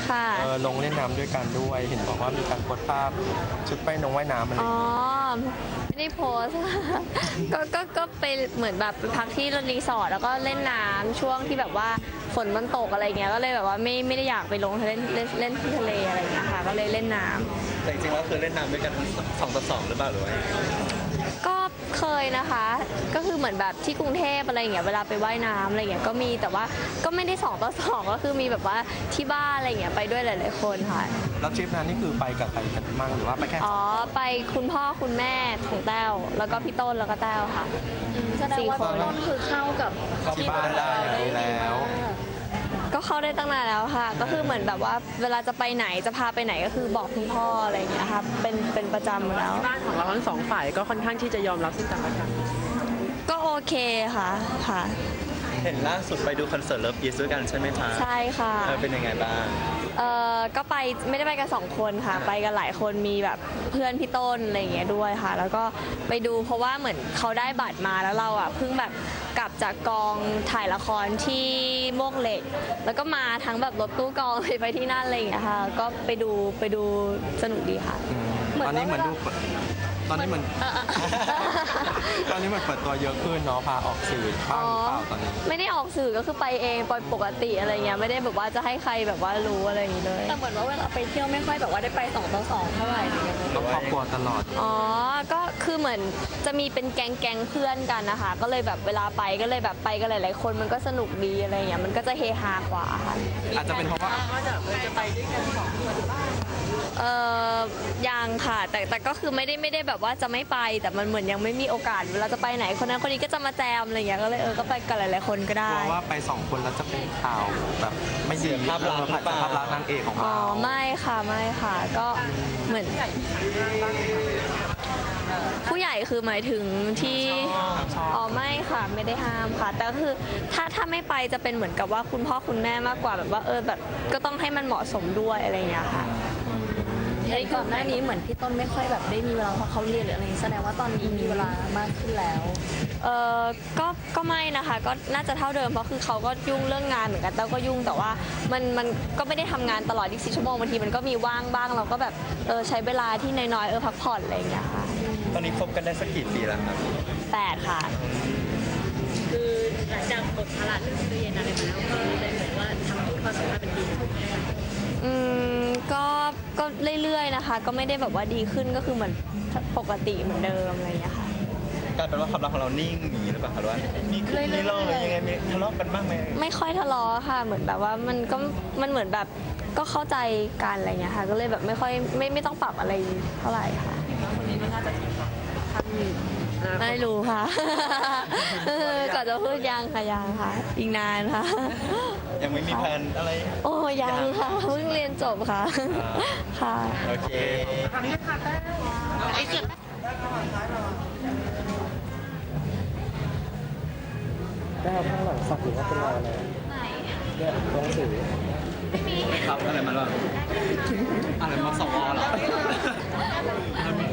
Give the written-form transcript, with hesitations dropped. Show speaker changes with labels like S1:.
S1: ค่ะ
S2: ลงเล่นน้ำด้วยกันด้วยเห็นบอกว่ามีการโพสต์ภาพชุดไปน้องว่ายน้ำอะไร
S1: อ๋อไม่ได้โพสต์ ก็ไปเหมือนแบบไปพักที่รีสอร์ทแล้วก็เล่นน้ำช่วงที่แบบว่าฝนมันตกอะไรเงี้ยก็เลยแบบว่าไม่ได้อยากไปลงเล่นที่ทะเลอะไรเงี้ยค่ะก็เลยเล่นน้ำ
S3: แต่จริงๆแล้วคือเล่นน้ำด้วยกัน2 ต่อ 2หรือเปล่าหรือว่า
S1: ก็เคยนะคะ ก็คือเหมือนแบบที่กรุงเทพอะไรเงี้ยเวลาไปว่ายน้ำอะไรเงี้ยก็มีแต่ว่าก็ไม่ได้2 ต่อ 2ก็คือมีแบบว่าที่บ้านอะไรเงี้ยไปด้วยหลายๆคนค่ะ
S2: แล้วทริปนั้นนี่คือไปกับใครกันมั่งหรือว่าไปแค่
S1: อ๋อไปคุณพ่อคุณแม่ของแต้วแล้วก็พี่ต้นแล้วก็แต้วค่ะ
S4: แสดงว่า
S1: 4 คน
S4: ต้นคือเข้ากับ
S2: ที่บ้านได้อย่างนี้แล้ว
S1: ก็เข้าได้ตั้งนานแล้วค่ะ ก็คือเหมือนแบบว่าเวลาจะไปไหนจะพาไปไหนก็คือบอกคุณพ่ออะไรอย่างเงี้ยค่ะเป็นประจำอยู่แล้ว
S5: บ้านของเราทั้งสองฝ่ายก็ค่อนข้างที่จะยอมรับซึ่งกันและกัน
S1: ก็โอเคค่ะค่ะ
S3: เห็นล่าสุดไปดูคอนเสิร์ตเลิฟอีสด้วยกันใช่ไหมคะ
S1: ใช่ค่ะ
S3: เป็นยังไงบ้าง
S1: ก็ไปไม่ได้ไปกัน2 คนค่ะ ไปกันหลายคนมีแบบเพื่อนพี่ต้นอะไรอย่างเงี้ยด้วยค่ะ แล้วก็ไปดูเพราะว่าเหมือนเขาได้บัตรมาแล้วเราอ่ะเพิ่งแบบกลับจากกองถ่ายละครที่โมกเหล็ก แล้วก็มาทั้งแบบรถตู้กองไปที่นั่นอะไรอย่างเงี้ยค่ะ ก็ไปดูสนุกดีค่ะ
S2: ตอนนี้เหมือนดูตอนนี้เหมือน ตอนนี้เหมือนเปิดตัวเยอะขึ้นเนาะพาออกสื่อบ้างหรือเปล่าตอนนี้
S1: ไม่ได้ออกสื่อก็คือไปเองปกติอะไรเงี้ยไม่ได้แบบว่าจะให้ใครแบบว่ารู้อะไรอย่างงี้เลย
S4: แต่เหมือนว่าเวลาไปเที่ยวไม่ค่อยแบบว่าได้ไป2 ต่อ 2เท่าไหร่อะไรเงี้ย
S2: ต้องครอบครัวตลอด
S1: อ๋อก็คือเหมือนจะมีเป็นแก๊งเพื่อนกันนะคะก็เลยแบบเวลาไปก็เลยแบบไปกันหลายๆคนมันก็สนุกดีอะไรเงี้ยมันก็จะเฮฮากว่าค่ะ
S2: อาจจะเป็นเพราะว่า
S5: ก็จะไปด้วยกันสองคน
S1: ยังค่ะแต่ก็คือไม่ได้แบบว่าจะไม่ไปแต่มันเหมือนยังไม่มีโอกาสเวลาจะไปไหนคนนั้นคนนี้ก็จะมาแจมอะไรเงี้ยก็เลยก็ไปกันหลายๆคนก็
S2: ก
S1: ได้
S2: ลัวว่าไป2 คนแล้วจะเป็นข่าวแบบไม่ดี
S3: ภาพลักษณ์หรือเปล่า
S2: ภาพลักษณ์นางเอกของ
S1: อ๋อ
S2: เรา
S1: ไม่ค่ะก็เหมือนผู้ใหญ่คือหมายถึงที่อ๋อไม่ค่ะไม่ได้ห้ามค่ะ แต่ก็คือถ้าไม่ไปจะเป็นเหมือนกับว่าคุณพ่อคุณแม่มากกว่าแบบว่าแบบก็ต้องให้มันเหมาะสมด้วยอะไรอย่างเงี้ยค่ะ
S4: ในก่อนหน้านี้เหมือนพี่ต้นไม่ค่อยแบบได้มีเวลาเพราะเขาเรียนหรืออะไรอย่างงี้แสดงว่าตอนนี้มีเวลามากขึ้นแล้ว
S1: เออก็ไม่นะคะก็น่าจะเท่าเดิมเพราะคือเขาก็ยุ่งเรื่องงานเหมือนกันแต่ก็ยุ่งแต่ว่ามันก็ไม่ได้ทำงานตลอด24 ชั่วโมงบางทีมันก็มีว่างบ้างเราก็แบบใช้เวลาที่น้อยๆพักผ่อนอะไรอย่างเงี้ยค่ะ
S3: ตอนนี้คบกันได้สักกี่ปีแล้วครับ
S1: 8 ค่ะ
S4: คือหลังจากบทภาระเรื่องเรียนอะไรมาแล้วก็เลยเหมือนว่าทำให้ความสัมพันธ์มันดีขึ้น
S1: อืมก็เรื่อยๆนะคะ ก็ไม่ได้แบบว่าดีขึ้นก็คือเหมือนปกติเหมือนเดิมอะไรอย่างเงี้ยค่ะ
S3: กลายเป็นว่าความรักของเรานิ่งอย่างนี้หรือเปล่าหรือว่ามีขึ้นมีลงหรือยังไงมีทะเลาะกันบ้างไหม
S1: ไม่ค่อยทะเลาะค่ะเหมือนแบบว่ามันเหมือนแบบก็เข้าใจกันอะไรเงี้ยค่ะก็เลยแบบไม่ค่อยไม่ต้องปรับอะไรเท่าไหร่ค่ะ
S5: คนนี้ก็น่าจะถึงแบบขั้น
S1: ไม่รู้ค่ะ ก่อนจะพูดยังค่ะอีกนานค่ะ
S3: ยังไม่มีแพลนอะไร
S1: โอ้ยังค่ะเพิ่งเรียนจบค่ะค่ะ
S3: โอเค
S2: ได้ข้างหลังสักหรือว่าเป็นรอยอะไร
S1: ไหน
S2: เนี่ยหนังสือ
S3: ครับอะไรมาบ้างอะไรมา2 วอเหรอ